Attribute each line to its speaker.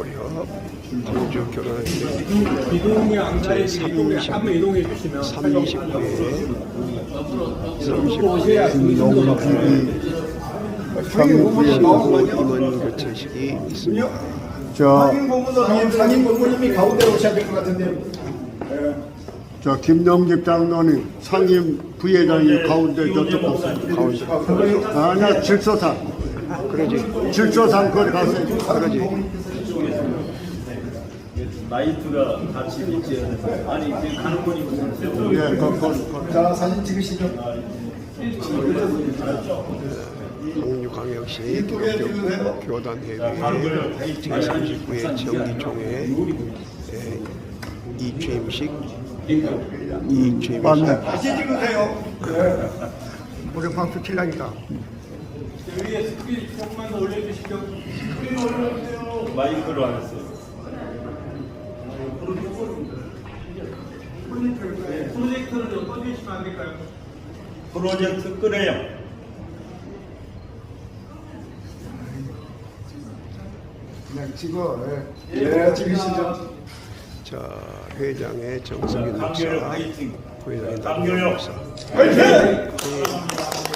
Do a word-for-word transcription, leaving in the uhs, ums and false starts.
Speaker 1: 고려 공주 결혼했는데
Speaker 2: 이동이 안가에 이쪽에
Speaker 1: 제삼십
Speaker 2: 한번 이동해 주시면
Speaker 1: 삼십구 회 삼십구
Speaker 2: 오셔야
Speaker 1: 회
Speaker 2: 상임부에
Speaker 1: 신고 임원 교체식이 있습니다.
Speaker 3: 저,
Speaker 4: 상임 고문은 상임 고문님이 가운데 오셔야 될 것 같은데.
Speaker 3: 저 김영집 장로님 상임 부회장이 가운데 저쪽 가운데. 아니야 질서상.
Speaker 1: 그러지.
Speaker 3: 질서상 거기 가세요.
Speaker 1: 그러지.
Speaker 5: 나이트가 같이 있지 아니 지금 가는 거니 무슨
Speaker 3: 예, 거, 거, 거.
Speaker 4: 자, 사진 찍으시죠.
Speaker 1: 성류광역시 기독교 교단회의 제삼십구 회 정기총회 이취임식 이취임식
Speaker 4: 다시 찍으세요.
Speaker 3: 우리 박수 칠라니까.
Speaker 2: 위에 스크린 조금만 더 올려주시죠. 스크린 올려주세요.
Speaker 5: 마이크로 안 했어요.
Speaker 2: 프로젝터를 좀 꺼주시면 안 될까요?
Speaker 5: 프로젝트 끄네요.
Speaker 3: 그냥 찍어. 예.
Speaker 4: 예, 찍으시죠.
Speaker 1: 자, 회장의 정석윤 목사,
Speaker 5: 강교력 화이팅.
Speaker 1: 부회장의
Speaker 5: 강교력.
Speaker 1: 남경 목사.